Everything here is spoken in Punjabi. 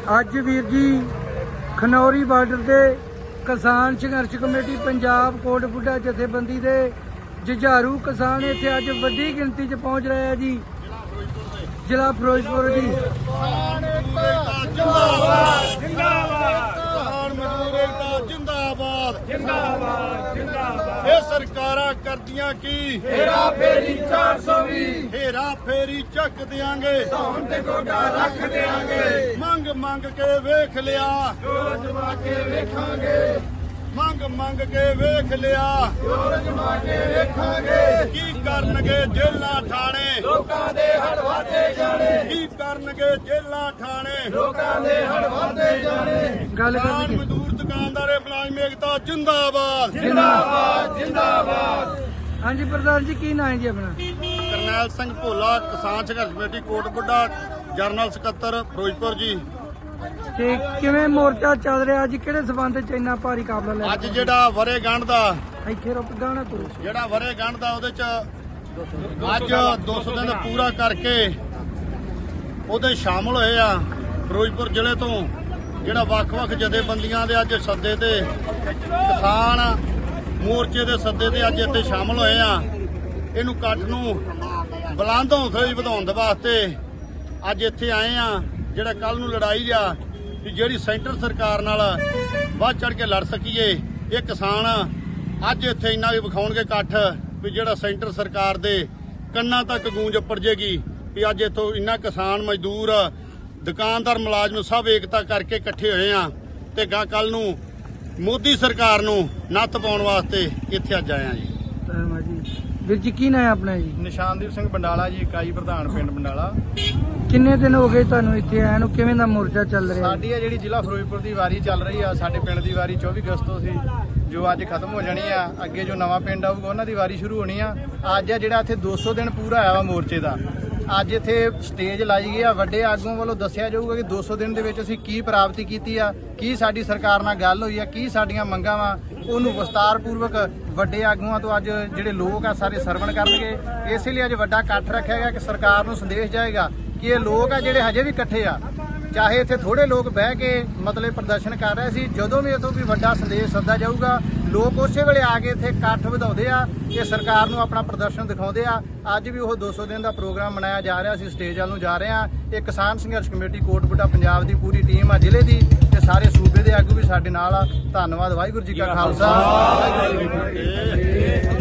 ਅੱਜ ਵੀਰ ਜੀ ਖਨੌਰੀ ਬਾਰਡਰ ਤੇ ਕਿਸਾਨ ਸੰਘਰਸ਼ ਕਮੇਟੀ ਪੰਜਾਬ ਕੋਟਬੁੱਢਾ ਜਥੇਬੰਦੀ ਦੇ ਜੁਝਾਰੂ ਕਿਸਾਨ ਇੱਥੇ ਅੱਜ ਵੱਡੀ ਗਿਣਤੀ 'ਚ ਪਹੁੰਚ ਰਹੇ ਆ ਜੀ। ਜ਼ਿਲ੍ਹਾ ਫਿਰੋਜ਼ਪੁਰ ਦੀ ਇਹ ਸਰਕਾਰਾਂ ਕਰਦੀਆਂ ਕੀ ਹੇਰਾ ਫੇਰੀ 420 ਹੇਰਾ ਫੇਰੀ ਚੱਕ ਦਿਆਂਗੇ ਧੌਣ ਤੇ ਗੋਡਾ ਰੱਖ ਦਿਆਂਗੇ ਮੰਗ ਕੇ ਵੇਖ ਲਿਆ ਜੋਰ ਜਮਾ ਕੇ ਵੇਖਾਂਗੇ ਮੰਗ ਕੇ ਵੇਖ ਲਿਆ ਜੋਰ ਜਮਾ ਕੇ ਵੇਖਾਂਗੇ ਕੀ ਕਰਨਗੇ ਜੇਲਾਂ ਠਾਣੇ ਲੋਕਾਂ ਦੇ ਹੜ ਵਾਦੇ ਜਾਣੇ ਕੀ ਕਰਨਗੇ ਜੇਲਾਂ ਠਾਣੇ ਲੋਕਾਂ ਦੇ ਹੜ ਵਾਦੇ ਜਾਣੇ ਗੱਲ ਕਿਸਾਨ ਮਜ਼ਦੂਰ ਦੁਕਾਨਦਾਰੇ ਮੁਲਾਜ਼ਮ ਏਕਤਾ ਜਿੰਦਾਬਾਦ ਜਿੰਦਾਬਾਦ। ਹਾਂਜੀ ਪ੍ਰਧਾਨ ਜੀ, ਕੀ ਨਾਂ ਹੈ ਜੀ ਆਪਣਾ? ਕਰਨੈਲ ਸਿੰਘ ਭੋਲਾ, ਕਿਸਾਨ ਸੰਘਰਸ਼ ਕਮੇਟੀ ਕੋਟਬੁੱਢਾ, ਜਨਰਲ ਸਕੱਤਰ ਫਿਰੋਜ਼ਪੁਰ ਜੀ। ਤੇ ਕਿਵੇਂ ਮੋਰਚਾ ਚੱਲ ਰਿਹਾ ਅੱਜ? ਕਿਹੜੇ ਸਬੰਧ 'ਚ ਇੰਨਾ ਭਾਰੀ ਕਾਬਲਾ ਲੈ ਅੱਜ ਜਿਹੜਾ ਵਰੇਗੰਢ ਦਾ ਇੱਥੇ ਰੁਕ ਗਾਣਾ ਕਰੋ। ਜਿਹੜਾ ਵਰੇਗੰਢ ਦਾ ਉਹਦੇ ਚ ਅੱਜ 200 ਦਿਨ ਪੂਰਾ ਕਰਕੇ ਉਹਦੇ ਸ਼ਾਮਲ ਹੋਏ ਆ ਫਿਰੋਜ਼ਪੁਰ ਜ਼ਿਲ੍ਹੇ ਤੋਂ ਜਿਹੜਾ ਵੱਖ-ਵੱਖ ਜਥੇਬੰਦੀਆਂ ਦੇ ਅੱਜ ਸੱਦੇ ਤੇ ਕਿਸਾਨ ਮੋਰਚੇ ਦੇ ਸੱਦੇ ਤੇ ਅੱਜ ਇੱਥੇ ਸ਼ਾਮਲ ਹੋਏ ਆ। ਇਹਨੂੰ ਇਕੱਠ ਨੂੰ ਬੁਲੰਦ ਹੌਸਲੇ ਵਧਾਉਣ ਦੇ ਵਾਸਤੇ ਅੱਜ ਇੱਥੇ ਆਏ ਆ। ਜਿਹੜਾ ਕੱਲ ਨੂੰ ਲੜਾਈ ਆ ਕਿ ਜਿਹੜੀ ਸੈਂਟਰ ਸਰਕਾਰ ਨਾਲ ਵੱਧ ਚੜ ਕੇ ਲੜ ਸਕੀਏ, ਇਹ ਕਿਸਾਨ ਅੱਜ ਇੱਥੇ ਇੰਨਾ ਵੀ ਵਿਖਾਉਣਗੇ ਇਕੱਠ ਵੀ ਜਿਹੜਾ ਸੈਂਟਰ ਸਰਕਾਰ ਦੇ ਕੰਨਾਂ ਤੱਕ ਗੂੰਜ ਉੱਪਰ ਜੇਗੀ ਵੀ ਅੱਜ ਇੱਥੋਂ ਇੰਨਾ ਕਿਸਾਨ ਮਜ਼ਦੂਰ ਦੁਕਾਨਦਾਰ ਮੁਲਾਜ਼ਮ ਸਭ ਏਕਤਾ ਕਰਕੇ ਇਕੱਠੇ ਹੋਏ ਆ ਤੇ ਕੱਲ ਨੂੰ ਮੋਦੀ ਸਰਕਾਰ ਨੂੰ ਨੱਥ ਪਾਉਣ ਵਾਸਤੇ ਇੱਥੇ ਅੱਜ ਆਏ ਆ ਜੀ। ਵੀਰ ਜੀ, ਕੀ ਨਾਂ ਹੈ ਆਪਣਾ ਜੀ? ਨਿਸ਼ਾਨਦੀਪ ਸਿੰਘ ਬੰਡਾਲਾ ਜੀ, ਇਕਾਈ ਪ੍ਰਧਾਨ ਪਿੰਡ ਬੰਡਾਲਾ। ਕਿੰਨੇ ਦਿਨ ਹੋ ਗਏ ਤੁਹਾਨੂੰ ਇੱਥੇ ਆਏ ਨੂੰ? ਕਿਵੇਂ ਦਾ ਮੋਰਚਾ ਚੱਲ ਰਿਹਾ? ਸਾਡੀ ਆ ਜਿਹੜੀ ਜ਼ਿਲ੍ਹਾ ਫਿਰੋਜ਼ਪੁਰ ਦੀ ਵਾਰੀ ਚੱਲ ਰਹੀ ਆ। ਸਾਡੇ ਪਿੰਡ ਦੀ ਵਾਰੀ 24 ਅਗਸਤ ਤੋਂ ਸੀ, ਜੋ ਅੱਜ ਖਤਮ ਹੋ ਜਾਣੀ ਆ। ਅੱਗੇ ਜੋ ਨਵਾਂ ਪਿੰਡ ਆਊਗਾ ਉਹਨਾਂ ਦੀ ਵਾਰੀ ਸ਼ੁਰੂ ਹੋਣੀ ਆ। ਅੱਜ ਆ ਜਿਹੜਾ ਇੱਥੇ 200 ਦਿਨ ਪੂਰਾ ਆਇਆ ਵਾ ਮੋਰਚੇ ਦਾ। ਅੱਜ ਇੱਥੇ ਸਟੇਜ ਲਾਈ ਗਈ ਆ। ਵੱਡੇ ਆਗੂਆਂ ਵੱਲੋਂ ਦੱਸਿਆ ਜਾਊਗਾ ਕਿ 200 ਦਿਨ ਦੇ ਵਿੱਚ ਅਸੀਂ ਕੀ ਪ੍ਰਾਪਤੀ ਕੀਤੀ ਆ, ਕੀ ਸਾਡੀ ਸਰਕਾਰ ਨਾਲ ਗੱਲ ਹੋਈ ਆ, ਕੀ ਸਾਡੀਆਂ ਮੰਗਾਂ ਵਾ, ਉਹਨੂੰ ਵਿਸਤਾਰਪੂਰਵਕ ਵੱਡੇ ਆਗੂਆਂ ਤੋਂ ਅੱਜ ਜਿਹੜੇ ਲੋਕ ਆ ਸਾਰੇ ਸਰਵਣ ਕਰਨਗੇ। ਇਸੇ ਲਈ ਅੱਜ ਵੱਡਾ ਇਕੱਠ ਰੱਖਿਆ ਗਿਆ ਕਿ ਸਰਕਾਰ ਨੂੰ ਸੰਦੇਸ਼ ਜਾਏਗਾ ਕਿ ਇਹ ਲੋਕ ਆ ਜਿਹੜੇ ਹਜੇ ਵੀ ਇਕੱਠੇ ਆ, ਚਾਹੇ ਇੱਥੇ ਥੋੜੇ ਲੋਕ ਬਹਿ ਕੇ ਮਤਲਬ ਪ੍ਰਦਰਸ਼ਨ ਕਰ ਰਹੇ ਸੀ, ਜਦੋਂ ਵੀ ਇੱਥੋਂ ਵੀ ਵੱਡਾ ਸੰਦੇਸ਼ ਸੱਦਾ ਜਾਊਗਾ ਲੋਕ ਉਸੇ ਵੇਲੇ ਆ ਕੇ ਇੱਥੇ ਇਕੱਠ ਵਧਾਉਂਦੇ ਆ ਕਿ ਸਰਕਾਰ ਨੂੰ ਆਪਣਾ ਪ੍ਰਦਰਸ਼ਨ ਦਿਖਾਉਂਦੇ ਆ। ਅੱਜ ਵੀ ਉਹ 200 ਦਿਨ ਦਾ ਪ੍ਰੋਗਰਾਮ ਮਨਾਇਆ ਜਾ ਰਿਹਾ। ਅਸੀਂ ਸਟੇਜ ਵੱਲ ਨੂੰ ਜਾ ਰਹੇ ਆ। ਇਹ ਕਿਸਾਨ ਸੰਘਰਸ਼ ਕਮੇਟੀ ਕੋਟਬੁੱਢਾ ਪੰਜਾਬ ਦੀ ਪੂਰੀ ਟੀਮ ਆ ਜ਼ਿਲ੍ਹੇ ਦੀ, ਤੇ ਸਾਰੇ ਸੂਬੇ ਦੇ ਆਗੂ ਵੀ ਸਾਡੇ ਨਾਲ ਆ। ਧੰਨਵਾਦ। ਵਾਹਿਗੁਰੂ ਜੀ ਕਾ ਖਾਲਸਾ, ਵਾਹਿਗੁਰੂ ਜੀ ਕੀ ਫਤਿਹ।